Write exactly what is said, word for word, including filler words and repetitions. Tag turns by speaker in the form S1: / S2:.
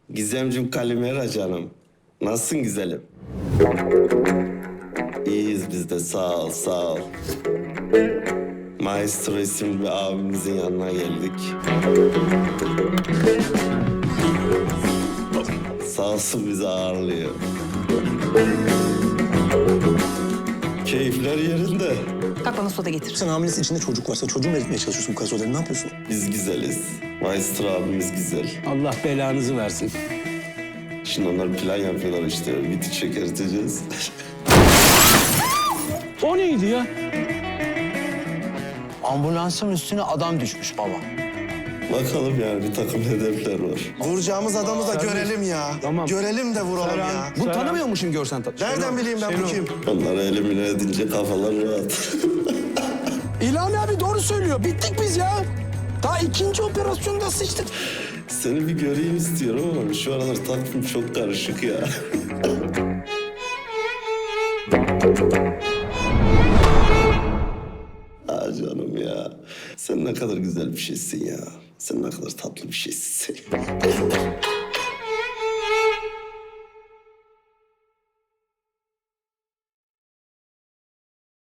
S1: Gizemcim Kalimera canım. Nasılsın güzelim? İyiyiz biz de sağ ol sağ ol. Maestro isimli bir abimizin yanına geldik. Sağ olsun bizi ağırlıyor. Keyifler yerinde.
S2: Kalk bana soda getir.
S3: Sen hamilesi içinde çocuk varsa çocuğu mu eritmeye çalışıyorsun bu kadar soruları? Ne yapıyorsun?
S1: Biz güzeliz. Maestro abimiz güzel.
S4: Allah belanızı versin.
S1: Şimdi onlar plan yapıyorlar işte. Biti çökerteceğiz.
S4: O neydi ya?
S5: Ambulansın üstüne adam düşmüş baba.
S1: Bakalım yani bir takım hedefler var.
S3: Vuracağımız adamı da görelim ya.
S4: Tamam.
S3: Görelim de vuralım ya.
S4: Bunu tanımıyor musun görsen? Ta-
S3: Nereden bileyim ben bu kim?
S1: Onları elimine edince kafalar rahat.
S4: İlhami abi doğru söylüyor. Bittik biz ya. Daha ikinci operasyonda sıçtık.
S1: Seni bir göreyim istiyorum ama şu aralar takvim çok karışık ya. Aa canım ya. Sen ne kadar güzel bir şeysin ya. Sen ne kadar tatlı bir şeysin.